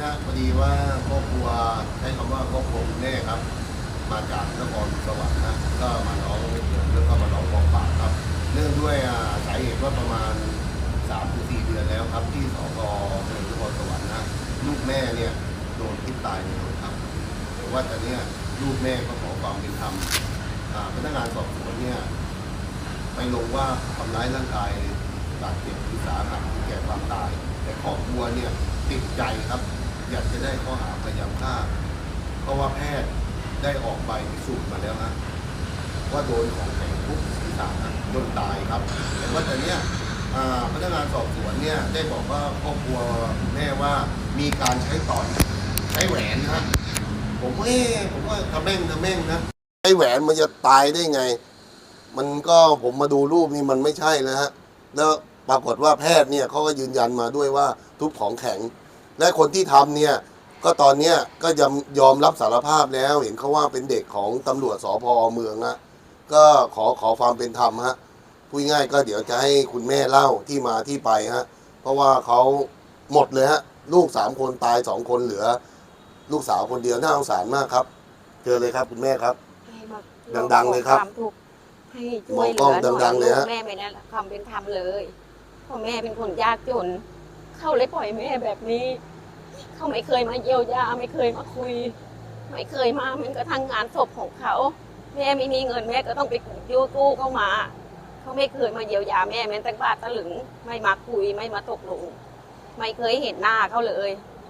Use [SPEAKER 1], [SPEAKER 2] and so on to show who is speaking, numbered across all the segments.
[SPEAKER 1] ฮะพอดีว่าครอบครัวใช้คำว่าครอบครัวคุณแม่ครับมาจากนครสวรรค์นะก็มาร้องแล้วก็มาร้องกองปราบครับเนื่องด้วยสาเหตุว่าประมาณ3 ถึง 4 เดือนแล้วครับที่สพเมืองนครสวรรค์นะลูกแม่เนี่ยโดนทุบตายในโรงพักแต่ว่าตอนนี้ลูกแม่ก็ขอความเป็นธรรมพนักงานสอบสวนเนี่ยไปลงว่าทำร้ายร่างกายบาดเจ็บหรือสาหัสแก่ความตายแต่ครอบครัวเนี่ยติดใจครับอยากจะได้ข้อหาพยายามฆ่าเพราะว่าแพทย์ได้ออกใบพิสูจน์มาแล้วนะว่าโดนของแข็งทุบศีรษะจนตายครับแต่ว่าแต่เนี้ยพนักงานสอบสวนเนี่ยได้บอกว่าครอบครัวแม่ว่ามีการใช้ต่อยใช้แหวนนะผมว่าทำแม่งนะใช้แหวนมันจะตายได้ไงมันก็ผมมาดูรูปนี่มันไม่ใช่นะฮะแล้วปรากฏว่าแพทย์เนี่ยเขาก็ยืนยันมาด้วยว่าทุบของแข็งและคนที่ทำเนี่ยก็ตอนเนี้ยก็ยอมรับสารภาพแล้วเห็นเขาว่าเป็นเด็กของตำรวจสพ.เมืองนะก็ขอความเป็นธรรมฮะพูดง่ายก็เดี๋ยวจะให้คุณแม่เล่าที่มาที่ไปฮะเพราะว่าเขาหมดเลยฮะลูก3 คนตาย2 คนเหลือลูกสาวคนเดียวน่าสงสารมากครับเจอเลยครับคุณแม่ครับดังๆเลยครับ
[SPEAKER 2] ให้ช่วยเหลือหน่อยลูกแม่ไม่ได้รับความเป็นธรรมเลยเพราะแม่เป็นคนยากจนเขาเลยปล่อยแม่แบบนี้เขาไม่เคยมาเยียวยาไม่เคยมาคุยไม่เคยมามันกระทั่งงานศพของเขาแม่ไม่มีเงินแม่ก็ต้องไปกู้เข้ามาเขาไม่เคยมาเยียวยาแม่แม้แต่บาทตะลึงไม่มาคุยไม่มาตกลงไม่เคยเห็นหน้าเขาเลย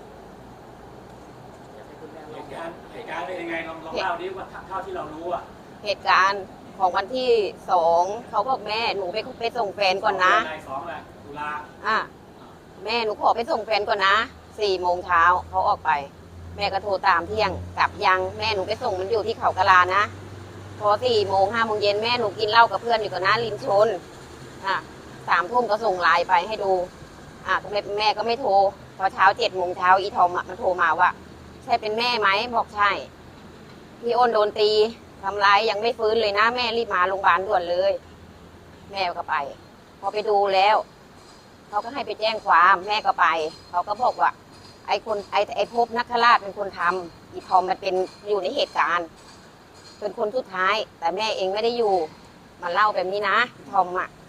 [SPEAKER 3] เหตุการณ์เป็นยังไงลองเล่าดิว่าเท่าที่เรารู้อ่ะ
[SPEAKER 2] เหตุการณ์ของวันที่2เขาบอกแม่หนูไปส่งแฟนก่อนนะ
[SPEAKER 3] ตุลา
[SPEAKER 2] แม่หนูขอไปส่งแฟนก่อนนะ4 โมงเช้าเขาออกไปแม่ก็โทรตามเที่ยงกลับยังแม่หนูไปส่งมันอยู่ที่เขากะลานะพอ4 โมง 5 โมงเย็นแม่หนูกินเหล้ากับเพื่อนอยู่กับน้าริมชน3 ทุ่มก็ส่งไลน์ไปให้ดูแม่ก็ไม่โทรพอเช้า7 โมงเช้าอีทอมมันโทรมาว่าใช่เป็นแม่ไหมบอกใช่พี่อ้นโดนตีทำร้ายยังไม่ฟื้นเลยนะแม่รีบมาโรงพยาบาลด่วนเลยแม่ก็ไปพอไปดูแล้วเขาก็ให้ไปแจ้งความแม่ก็ไปเขาก็บอกว่าไอ้ภพนักขราชเป็นคนทำอีทอมมันเป็นอยู่ในเหตุการณ์เป็นคนสุดท้ายแต่แม่เองไม่ได้อยู่มาเล่าแบบนี้นะทอม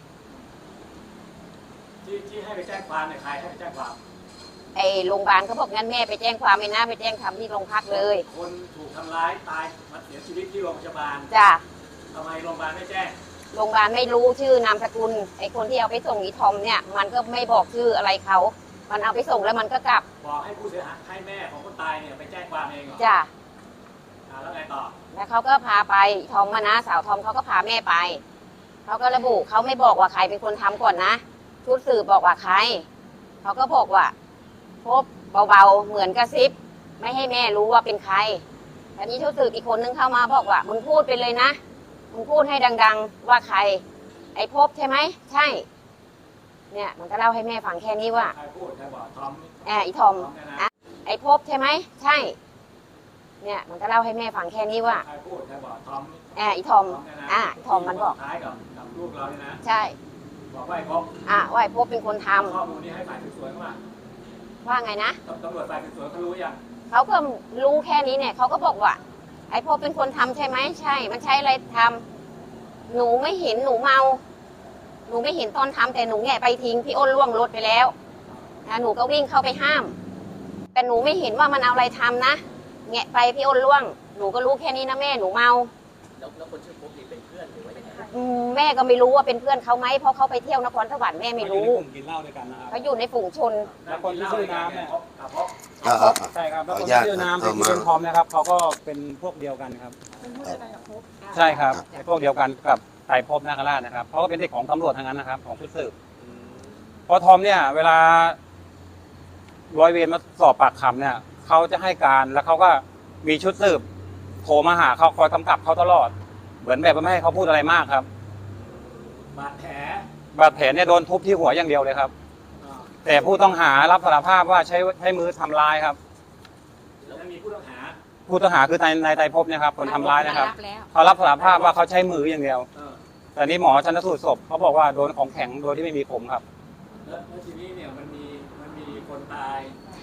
[SPEAKER 3] ที่ให้ไปแจ้งความเนี่ยใครให้ไปแจ้งความ
[SPEAKER 2] ไอ้โรงพยาบาลเขาบอกงั้นแม่ไปแจ้งความไม่นะไปแจ้งความที่โรงพักเลย
[SPEAKER 3] คนถูกทำร้ายตายมาเสียชีวิตที่โรงพยาบาล
[SPEAKER 2] จ้ะ
[SPEAKER 3] ทำไมโรงพยาบาลไม่แจ้ง
[SPEAKER 2] โรงพยาบาลไม่รู้ชื่อนามสกุลไอ้คนที่เอาไปส่งอีทอมเนี่ยมันก็ไม่บอกชื่ออะไรเขามันเอาไปส่งแล้วมันก็กลับ
[SPEAKER 3] บอกให้ผู้เสียหายให้แม่ของคนตายเนี่ยไปแจ้งความเองเหรอ
[SPEAKER 2] จ้ะ
[SPEAKER 3] แล้วไงต่อ
[SPEAKER 2] แล้วเขาก็พาไปทอมมานะสาวทอมเขาก็พาแม่ไปเขาก็ระบุเขาไม่บอกว่าใครเป็นคนทำก่อนนะชุดสืบบอกว่าใครเขาก็บอกว่าพบเบาๆเหมือนกระซิบไม่ให้แม่รู้ว่าเป็นใครแต่นี้ชุดสืบอีกคนนึงเข้ามาบอกว่ามึงพูดไปเลยนะมึงพูดให้ดังๆว่าใครไอ้พบใช่ไหมใช่เนี่ยมันก็เล่าให้แม่ฟังแค่นี้ว่า
[SPEAKER 3] ใครพูดใครบอกทอม
[SPEAKER 2] อีทอมไอ้พบใช่ไหมใช่เนี่ยมันก็เล่าให้แม่ฟังแค่นี้ว่า
[SPEAKER 3] ใครพูดใครบอกทอม
[SPEAKER 2] อีทอมทอมมันบอก
[SPEAKER 3] ท้ายกับลูกเราเนี่ยนะ
[SPEAKER 2] ใช่
[SPEAKER 3] บอกว่าไอ้พบ
[SPEAKER 2] ว่าไอ้พบเป็นคนทำ
[SPEAKER 3] ข้อมูลนี้ให้ฝ่ายสืบสวน
[SPEAKER 2] ว่าไงนะ
[SPEAKER 3] ตำรวจฝ่ายสืบสวนเขารู้ยัง
[SPEAKER 2] เขาก็รู้แค่นี้เนี่ยเขาก็บอกว่าไอ้พบเป็นคนทำใช่ไหมใช่มันใช้อะไรทำหนูไม่เห็นหนูเมาหนูไม่เห็นตอนทำแต่หนูแงะไปทิ้งพี่อ้นล่วงรถไปแล้วหนูก็วิ่งเข้าไปห้ามแต่หนูไม่เห็นว่ามันเอาอะไรทำนะแงะไปพี่อ้นล่วงหนูก็รู้แค่นี้นะแม่หนูเมา
[SPEAKER 3] แล้วคนชื่อพบนี่เป็นเพื่อนหรือว่ายังไง
[SPEAKER 2] แม่ก็ไม่รู้ว่าเป็นเพื่อนเขาไหมเพราะเขาไปเที่ยวนครสวรรค์แม่ไม่รู้
[SPEAKER 3] กินเหล้าด้วยกันนะครับ
[SPEAKER 2] เขาอยู่ในฝูงชน
[SPEAKER 3] แล้วคนที่ชื่อน้ำเนี่ย
[SPEAKER 4] ใช่ครับแล้วคนที่ชื่อน้ำที่เป็นทอมนะครับเขาก็เป็นพวกเดียวกันครับใช่ครับพวกเดียวกันกับไตรภพนาคราชนะครับเขาก็เป็นเด็กของตำรวจทั้งนั้นนะครับของชุดสืบพอทอมเนี่ยเวลาร้อยเวรมาสอบปากคำเนี่ยเขาจะให้การแล้วเขาก็มีชุดสืบโทรมาหาเขาคอยกำกับเขาตลอดเหมือนแบบไม่ให้เขาพูดอะไรมากครับ
[SPEAKER 3] บาดแผ
[SPEAKER 4] ลเนี่ยโดนทุบที่หัวอย่างเดียวเลยครับแต่ผู้ต้องหารับสารภาพว่าใช้มือทำร้ายครับ
[SPEAKER 3] แล้วมีผู้ต้อง
[SPEAKER 4] หาคือนายไตรภพเนี่ยครับคนทำร้ายนะครับเขารับสารภาพว่าเขาใช้มืออย่างเดียวแต่นี่หมอชันสูตรศพเขาบอกว่าโดนของแข็งโดยที่ไม่มีผมครับ
[SPEAKER 3] แล้วทีนี้เนี่ยมันมีคนตาย ม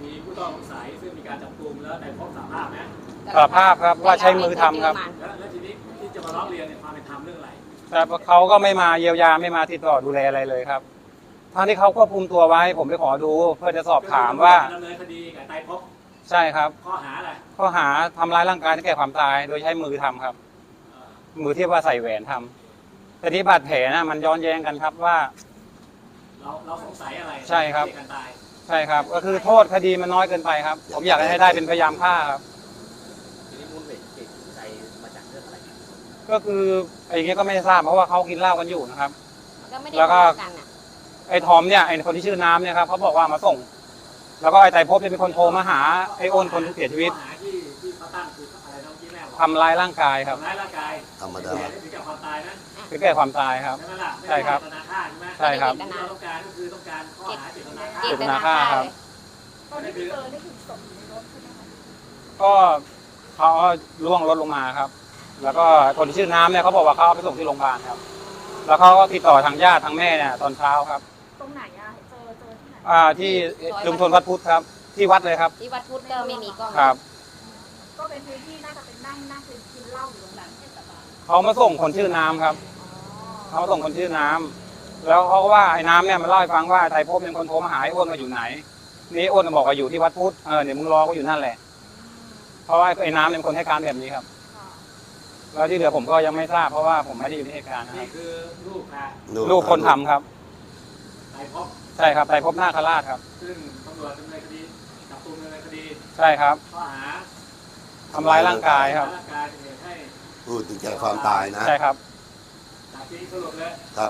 [SPEAKER 3] มีผู้ต้องสงสัยซึ่งมีการจับกุมแล้วในพบสารภาพไหม
[SPEAKER 4] สารภาพครับว่าใช้มือทำครับ
[SPEAKER 3] แล้วทีนี้ที่จะมาร้องเรียนเนี่ยความเป็นธรรมเรื่องอะไร
[SPEAKER 4] แต่เขาก็ไม่มาเยียวยาไม่มาติดต่อดูแลอะไรเลยครับทั้งที่เขาควบคุมตัวไว้ผมไปขอดูเพื่อจะสอบถามว่า
[SPEAKER 3] ดำเนินคดีกับไตรภพ
[SPEAKER 4] ใช่ครับ
[SPEAKER 3] ข้อหาอะไร
[SPEAKER 4] ข้อหาทำร้ายร่างกายให้แก่ความตาย โดยใช้มือทำครับ มือที่ว่าใส่แหวนทำแต่ที่บาดแผลนะมันย้อนแย้งกันครับว่า
[SPEAKER 3] เราสงสัยอะไร
[SPEAKER 4] ใช่ครับ
[SPEAKER 3] เรื่องการตาย
[SPEAKER 4] ใช่ครับ ก็คือโทษคดีมันน้อยเกินไปครับ ผมอยากให้ได้เป็นพยายามฆ่าครับ
[SPEAKER 3] ทีนี้มูลเหตุใจมาจากเรื่องอะไร
[SPEAKER 4] ก็คือไอ้อย่างเงี้ยก็ไม่ทราบเพราะว่าเขากินเหล้ากันอยู่นะครับ
[SPEAKER 2] ก็ไม่ได้
[SPEAKER 4] แล้วก็
[SPEAKER 2] ทะเลาะกันอ่ะ
[SPEAKER 4] ไอ้ทอมเนี่ยไอ้คนที่ชื่อน้ำเนี่ยครับเขาบอกว่ามาส่ง แล้วก็ไอ้ไตรภพเนี่ยเป็นคนโทรมาหาไอ้อ้นคนที่เสียชีวิต
[SPEAKER 3] ข้อหาที่เขาตั้งคืออะไรน้องกี้แม่บอก
[SPEAKER 4] ทำร้ายร่างกายครับ
[SPEAKER 3] ทำร้ายร่างกาย
[SPEAKER 1] ธรรมดา
[SPEAKER 3] ถึงแก่ความตายนะ
[SPEAKER 4] คือแก่ความตายครับ
[SPEAKER 3] ใช่ไหมล่ะ
[SPEAKER 4] ใช่ครับ
[SPEAKER 3] ไม่ได้เจตนาฆ่าใช่ไหม
[SPEAKER 4] ใช่ครับ
[SPEAKER 3] ที่เราต้องการก็คือต้องการข้อหาเจตนาฆ่า
[SPEAKER 2] เจตนาฆ่า
[SPEAKER 4] ครั
[SPEAKER 2] เล
[SPEAKER 4] บ
[SPEAKER 2] ย
[SPEAKER 5] ตอนที่เจอนี่คือศพอยู่ในรถใช่ไหมคะ
[SPEAKER 4] ก็เขาล่วงรถลงมาครับ แล้วก็คนที่ชื่อน้ำเนี่ยเขาบอกว่าเขาเอาไปส่งที่โรงพยาบาลครับ แล้วเขาก็ติดต่อทางญาติทางแม่เนี่ยตอนเช้าครับ
[SPEAKER 5] ตรงไหนอะเจอที่ไหน
[SPEAKER 4] ที่ชุมชนวัดพุทธครับ ที่วัดเลยครับ
[SPEAKER 2] ที่วัดพุทธก็ไม่มีกล้อง
[SPEAKER 4] ครับ
[SPEAKER 5] ก็เป็นพื้นที่น่าจะเป็นนั่งกินเหล้าอยู่ตรงนั้นเทศบาล
[SPEAKER 4] เขามาส่งคนชื่อน้ำครับ เขาส่งคนชื่อน้ำแล้วเขาก็ว่าไอ้น้ำเนี่ยมันเล่าให้ฟังว่าไทยภพเป็นคนโทรมาหาไอ้อ้วนมาอยู่ไหน นี่อ้วนบอกว่าอยู่ที่วัดพุทธเดี๋ยวมึงรอก็อยู่นั่นแหละ เพราะว่าไอ้น้ำเป็นคนให้การแบบนี้ครับ
[SPEAKER 5] ค่ะ
[SPEAKER 4] แล้วที่เหลือผมก็ยังไม่ทราบเพราะว่าผมไม่ได้อยู่ในเหตุการณ์นะค
[SPEAKER 3] นี่
[SPEAKER 4] รับ
[SPEAKER 3] คือลูกค่ะ
[SPEAKER 4] ลูกคนทำครับ
[SPEAKER 3] ไตรภพ
[SPEAKER 4] ใช่ครับไทยภพนาคราชครับ
[SPEAKER 3] ซึ่งตำรวจดำเนินคดีจับกุมดำเนินคดี
[SPEAKER 4] ใช่ครับ
[SPEAKER 3] ข้อหา
[SPEAKER 4] ทำร้ายร่างกายครับ
[SPEAKER 3] ร่างกายเป็นเหตุให้
[SPEAKER 1] พูดถึงแก่ความตายนะ
[SPEAKER 4] ใช่ครับ
[SPEAKER 3] จากที่สรุปเลย
[SPEAKER 1] ครับ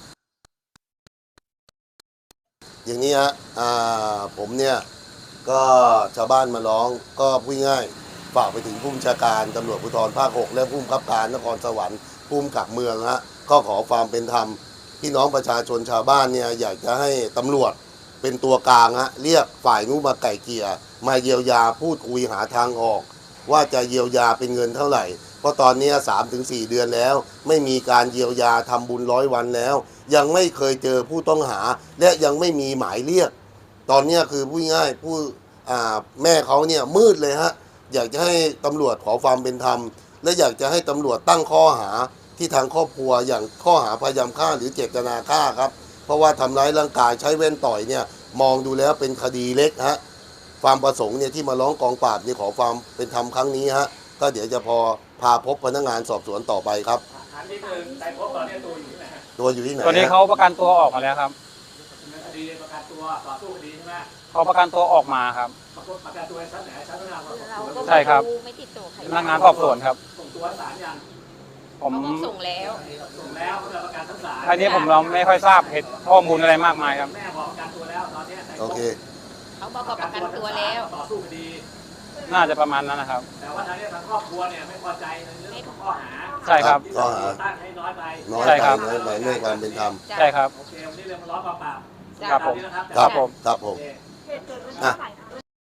[SPEAKER 1] อย่างนี้ฮะผมเนี่ยก็ชาวบ้านมาร้องก็พูดง่ายฝากไปถึงผู้บัญชาการตำรวจภูธรภาค 6 และผู้บังคับการนครสวรรค์ผู้กำกับเมืองฮะก็ขอความเป็นธรรมพี่น้องประชาชนชาวบ้านเนี่ยอยากจะให้ตำรวจเป็นตัวกลางฮะเรียกฝ่ายนู้นมาไก่เกลี่ยมาเยียวยาพูดคุยหาทางออก ว่าจะเยียวยาเป็นเงินเท่าไหร่ เพราะตอนนี้ 3-4 เดือนแล้ว ไม่มีการเยียวยาทำบุญ100 วันแล้ว ยังไม่เคยเจอผู้ต้องหา และยังไม่มีหมายเรียก ตอนนี้คือพูดง่ายแม่เขาเนี่ยมืดเลยฮะอยากจะให้ตำรวจขอความเป็นธรรม และอยากจะให้ตำรวจตั้งข้อหาที่ทางครอบครัวอย่างข้อหาพยายามฆ่าหรือเจตนาฆ่าครับเพราะว่าทำร้ายร่างกายใช้แว่นต่อยเนี่ยมองดูแล้วเป็นคดีเล็กฮะความประสงค์เนี่ยที่มาร้องกองปราบเนี่ยขอความเป็นธรรมครั้งนี้ฮะก็เดี๋ยวจะพาพบพนักงานสอบสวนต่อไปครับ
[SPEAKER 3] ถามนิดนึงไตรภพตอนนี้ตัวอยู่ที่ไหนฮะ
[SPEAKER 1] ตัวอยู่ที่ไหน
[SPEAKER 4] ตอนนี้
[SPEAKER 1] ฮะ
[SPEAKER 4] เขาประกันตัวออกมาแล้วครับ
[SPEAKER 3] ดำเนินคดีประกันตัวต่อสู้คดีใช่ไหม
[SPEAKER 4] เขาประกันตัวออกมาครับ
[SPEAKER 3] ประกันตัวในชั้นไหนชั้นพนักงานสอบสวน
[SPEAKER 2] เราก็
[SPEAKER 4] ใช่ครับ
[SPEAKER 2] ไม่ติดต่อใคร
[SPEAKER 4] พนักงานสอบสวนครับ
[SPEAKER 3] ส่งตัวศาลยัง
[SPEAKER 4] ผม
[SPEAKER 2] เขาบอกส่งแล้ว
[SPEAKER 3] ส่งแล้วเพื่อประกันทั้งศาล
[SPEAKER 4] อันนี้ผมเราไม่ค่อยทราบเหตุข้อมูลอะไรมากมายครับ
[SPEAKER 3] แม่บอกประกันตัวแล้วตอนนี้ไตรภพ
[SPEAKER 1] โอเค
[SPEAKER 2] เขาบอกว่าประกันตัวแล้ว
[SPEAKER 3] ต่อสู้คดี
[SPEAKER 4] น่าจะประมาณนั้นนะครับ
[SPEAKER 3] แต่ว่าทางนี้ทางครอบครัวเนี่ยไม่พอใจในเรื่องของข้อหา
[SPEAKER 4] ใช่ครับ
[SPEAKER 3] ที่ตำรวจตั้งให้น้อยไป
[SPEAKER 1] น้อย
[SPEAKER 4] ใช่
[SPEAKER 1] ไป
[SPEAKER 4] ครับ
[SPEAKER 1] น้อยไปเรื่องความเป็นธรรม
[SPEAKER 4] ใช่ครับ
[SPEAKER 3] โอเควันนี้เรื่องมาร้องกองปราบ
[SPEAKER 4] ครับผม
[SPEAKER 3] ตานี้นะครับ
[SPEAKER 1] ครับ
[SPEAKER 4] ผม
[SPEAKER 1] ครับผม
[SPEAKER 3] โอเค
[SPEAKER 5] เหตุเกิดวันที่เท่าไหร่